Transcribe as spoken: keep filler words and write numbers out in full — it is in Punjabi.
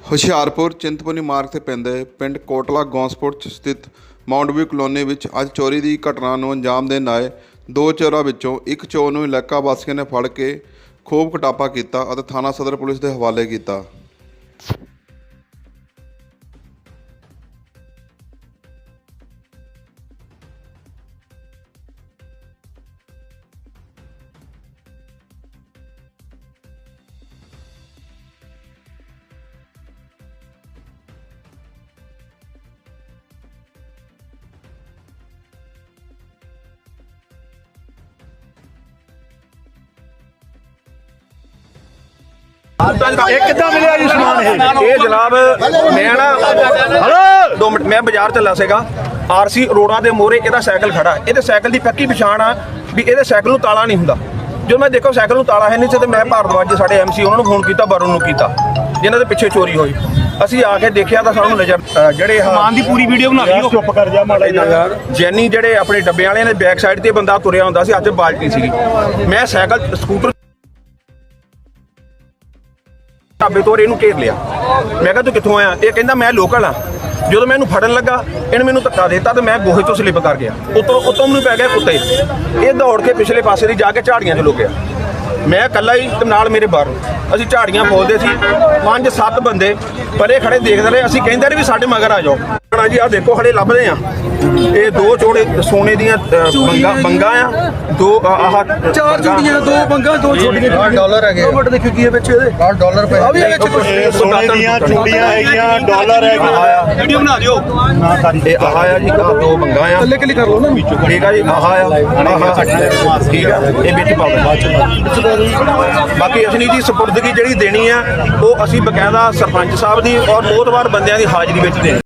ਹੁਸ਼ਿਆਰਪੁਰ ਚਿੰਤਪੁਰਨੀ ਮਾਰਗ ਤੇ ਪੈਂਦੇ ਪਿੰਡ ਕੋਟਲਾ ਗੌਂਸਪੁਰ 'ਚ ਸਥਿਤ ਮਾਊਂਟ ਵਿਊ ਕਲੋਨੀ ਵਿੱਚ ਅੱਜ ਚੋਰੀ ਦੀ ਘਟਨਾ ਨੂੰ ਅੰਜਾਮ ਦੇਣ ਆਏ ਦੋ ਚੋਰਾਂ ਵਿੱਚੋਂ ਇੱਕ ਚੋਰ ਨੂੰ ਇਲਾਕਾ ਵਾਸੀਆਂ ਨੇ ਫੜ ਕੇ ਖੂਬ ਕੁਟਾਪਾ ਕੀਤਾ ਅਤੇ ਥਾਣਾ ਸਦਰ ਪੁਲਿਸ ਦੇ ਹਵਾਲੇ ਕੀਤਾ। ਇਹ ਕਿੱਦਾਂ ਮਿਲਿਆ ਜੀ ਸਮਾਨ? ਇਹ ਇਹ ਜਨਾਬ ਮੈਂ ਨਾ ਹਲੋ ਦੋ ਮਿੰਟ ਮੈਂ ਬਾਜ਼ਾਰ ਚੱਲਾ ਸੀਗਾ। ਆਰਸੀ ਅਰੋੜਾ ਦੇ ਮੋਹਰੇ ਇਹਦਾ ਸਾਈਕਲ ਖੜਾ, ਇਹਦੇ ਸਾਈਕਲ ਦੀ ਪੱਕੀ ਪਛਾਣ ਆ ਵੀ ਇਹਦੇ ਸਾਈਕਲ ਨੂੰ ਤਾਲਾ ਨਹੀਂ ਹੁੰਦਾ। ਜਦੋਂ ਮੈਂ ਦੇਖੋ ਸਾਈਕਲ ਨੂੰ ਤਾਲਾ ਹੈ ਨਹੀਂ ਸੀ ਤੇ ਮੈਂ ਭਾਰਦਵਾਜ ਦੇ ਸਾਡੇ ਐਮਸੀ ਉਹਨਾਂ ਨੂੰ ਫੋਨ ਕੀਤਾ, ਵਰੁਣ ਨੂੰ ਕੀਤਾ, ਜਿਨ੍ਹਾਂ ਦੇ ਪਿੱਛੇ ਚੋਰੀ ਹੋਈ। ਅਸੀਂ ਆ ਕੇ ਦੇਖਿਆ ਤਾਂ ਸਾਨੂੰ ਨਜ਼ਰ ਜਿਹੜੇ ਸਮਾਨ ਦੀ ਪੂਰੀ ਵੀਡੀਓ ਬਣਾ ਲਈ। ਚੁੱਪ ਕਰ ਜਾ ਮਾੜਾ ਜਿਹਾ। ਜੈਨੀ ਜਿਹੜੇ ਆਪਣੇ ਡੱਬੇ ਵਾਲਿਆਂ ਦੇ ਬੈਕ ਸਾਈਡ ਤੇ ਬੰਦਾ ਤੁਰਿਆ ਹੁੰਦਾ ਸੀ, ਅੱਜ ਬਾਲਟੀ ਸੀਗੀ। ਮੈਂ ਸਾਈਕਲ ਸਕੂਟਰ ਢਾਬੇ ਤੋਂ ਇਹਨੂੰ ਘੇਰ ਲਿਆ। ਮੈਂ ਕਿਹਾ ਤੂੰ ਕਿੱਥੋਂ ਆਇਆ? ਇਹ ਕਹਿੰਦਾ ਮੈਂ ਲੋਕਲ ਆ। ਜਦੋਂ ਮੈਂ ਇਹਨੂੰ ਫੜਨ ਲੱਗਾ ਇਹਨੇ ਮੈਨੂੰ ਧੱਕਾ ਦਿੱਤਾ ਤੇ ਮੈਂ ਗੋਹੇ ਤੋਂ ਸਲਿੱਪ ਕਰ ਗਿਆ। ਉਤੋਂ ਉਤੋਂ ਮੈਨੂੰ ਪੈ ਗਿਆ ਕੁੱਤੇ। ਇਹ ਦੌੜ ਕੇ ਪਿਛਲੇ ਪਾਸੇ ਦੀ ਜਾ ਕੇ ਝਾੜੀਆਂ 'ਚ ਲੁਕ ਗਿਆ। ਮੈਂ ਇਕੱਲਾ ਹੀ ਤੇ ਨਾਲ ਮੇਰੇ ਬਾਹਰ ਅਸੀਂ ਝਾੜੀਆਂ ਫੋਲਦੇ ਸੀ। ਪੰਜ ਸੱਤ ਬੰਦੇ ਪਰੇ ਖੜੇ ਦੇਖਦੇ ਰਹੇ। ਅਸੀਂ ਕਹਿੰਦੇ ਰਹੇ ਵੀ ਸਾਡੇ ਮਗਰ ਆ ਜਾਓ। ਜੀ ਆਹ ਦੇਖੋ ਖੜੇ ਲੱਭਦੇ ਆ। ਇਹ ਦੋ ਚੋੜੇ ਸੋਨੇ ਦੀਆਂ ਬੰਗਾ ਬੰਗਾ ਆ, ਦੋ ਆਹ ਚਾਰ ਚੋੜੀਆਂ, ਦੋ ਬੰਗਾ, ਦੋ ਛੋਟੀਆਂ ਡਾਲਰ ਹੈਗੇ। ਦੋ ਮਿੰਟ ਦੇਖੋ ਕੀ ਹੈ ਵਿੱਚ ਇਹਦੇ ਡਾਲਰ ਪਏ ਆ ਵੀ ਵਿੱਚ ਕੁਝ ਸੋਨੇ ਦੀਆਂ ਚੂੜੀਆਂ ਹੈਗੀਆਂ, ਡਾਲਰ ਹੈਗੇ। ਵੀਡੀਓ ਬਣਾ ਦਿਓ। ਇਹ ਆਹ ਆ ਜੀ, ਆਹ ਦੋ ਬੰਗਾ ਆ। ਥੱਲੇ ਕਲਿੱਕ ਕਰ ਲਓ ਨਾ। ਠੀਕ ਆ ਜੀ, ਆਹ ਆ ਆਹ ਠੀਕ ਆ। ਇਹ ਵਿੱਚ ਪਾ ਦਿਓ। ਬਾਕੀ ਅਸਲੀ ਜੀ ਸਪੁਰਦਗੀ ਜਿਹੜੀ ਦੇਣੀ ਆ ਉਹ ਅਸੀਂ ਬਕਾਇਦਾ ਸਰਪੰਚ ਸਾਹਿਬ ਦੀ ਔਰ ਮੋਹਤਵਾਰ ਬੰਦਿਆਂ ਦੀ ਹਾਜ਼ਰੀ ਵਿੱਚ ਦੇਣੀ।